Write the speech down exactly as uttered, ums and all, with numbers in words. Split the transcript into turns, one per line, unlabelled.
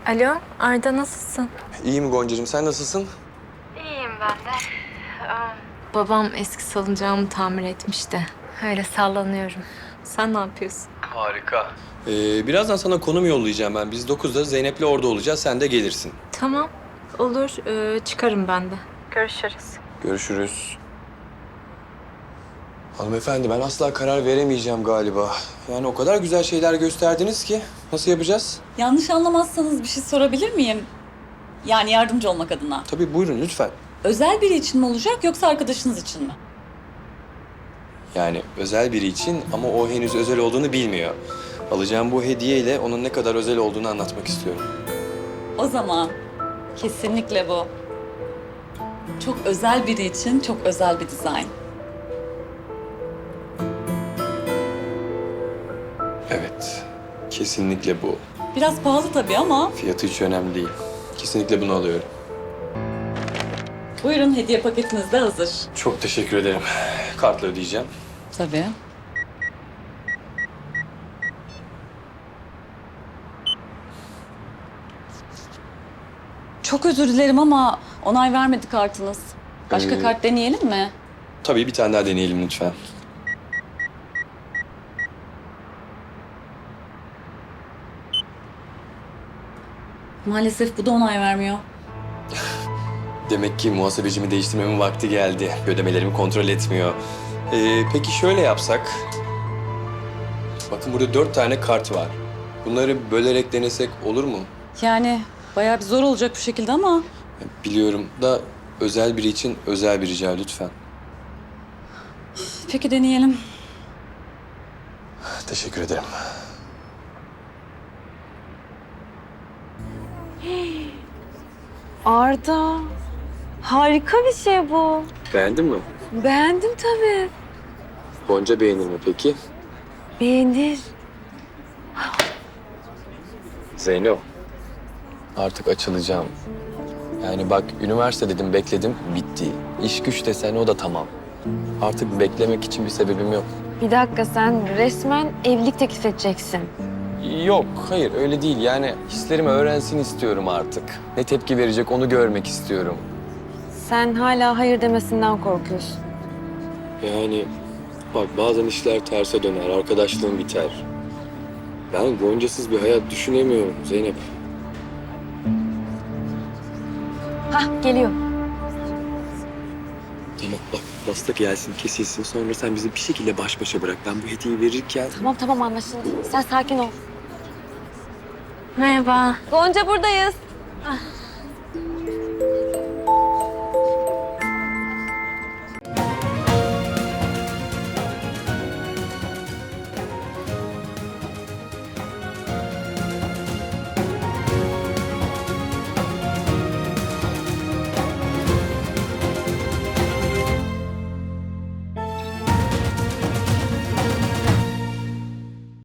Alo, Arda nasılsın?
İyiyim Goncacığım, sen nasılsın?
İyiyim ben de. Babam eski salıncağımı tamir etmiş de. Öyle sallanıyorum. Sen ne yapıyorsun?
Harika. Ee, birazdan sana konum yollayacağım ben. Biz dokuzda Zeynep'le orada olacağız, sen de gelirsin.
Tamam, olur. Ee, çıkarım ben de. Görüşürüz.
Görüşürüz. Hanımefendi, ben asla karar veremeyeceğim galiba. Yani o kadar güzel şeyler gösterdiniz ki. Nasıl yapacağız?
Yanlış anlamazsanız bir şey sorabilir miyim? Yani yardımcı olmak adına.
Tabii, buyurun lütfen.
Özel biri için mi olacak yoksa arkadaşınız için mi?
Yani özel biri için ama o henüz özel olduğunu bilmiyor. Alacağım bu hediyeyle onun ne kadar özel olduğunu anlatmak istiyorum.
O zaman kesinlikle bu. Çok özel biri için çok özel bir dizayn.
Evet, kesinlikle bu.
Biraz pahalı tabii ama
Fiyatı hiç önemli değil. Kesinlikle bunu alıyorum.
buyurun, hediye paketiniz de hazır.
Çok teşekkür ederim. Kartla ödeyeceğim.
Tabii. Çok özür dilerim ama onay vermedi kartınız. Başka
Ee,
kart deneyelim mi?
Tabii, bir tane daha deneyelim lütfen.
Maalesef bu da onay vermiyor.
Demek ki muhasebecimi değiştirmemin vakti geldi. Ödemelerimi kontrol etmiyor. Ee, peki şöyle yapsak. Bakın burada dört tane kart var. Bunları bölerek denesek olur mu?
Yani bayağı bir zor olacak bu şekilde ama
Biliyorum da özel biri için özel bir rica lütfen.
peki deneyelim.
Teşekkür ederim.
Arda, harika bir şey bu.
Beğendin mi?
Beğendim tabii.
Gonca beğenir mi peki?
Beğenir.
Zeyno. Artık açılacağım. Yani bak, üniversite dedim, bekledim, bitti. İş güç desen o da tamam. Artık beklemek için bir sebebim yok.
Bir dakika, sen resmen evlilik teklif edeceksin.
Yok, hayır öyle değil. Yani hislerimi öğrensin istiyorum artık. Ne tepki verecek onu görmek istiyorum.
Sen hala hayır demesinden korkuyorsun.
Yani bak, bazen işler terse döner, arkadaşlığım biter. Ben Gonca'sız bir hayat düşünemiyorum Zeynep.
Hah, geliyor.
Tamam bak, pasta gelsin, kesilsin. Sonra sen bizi bir şekilde baş başa bırak. Ben bu hediyeyi verirken...
Tamam tamam, anlaşıldı. Sen sakin ol. Merhaba. Gonca, buradayız. Ah.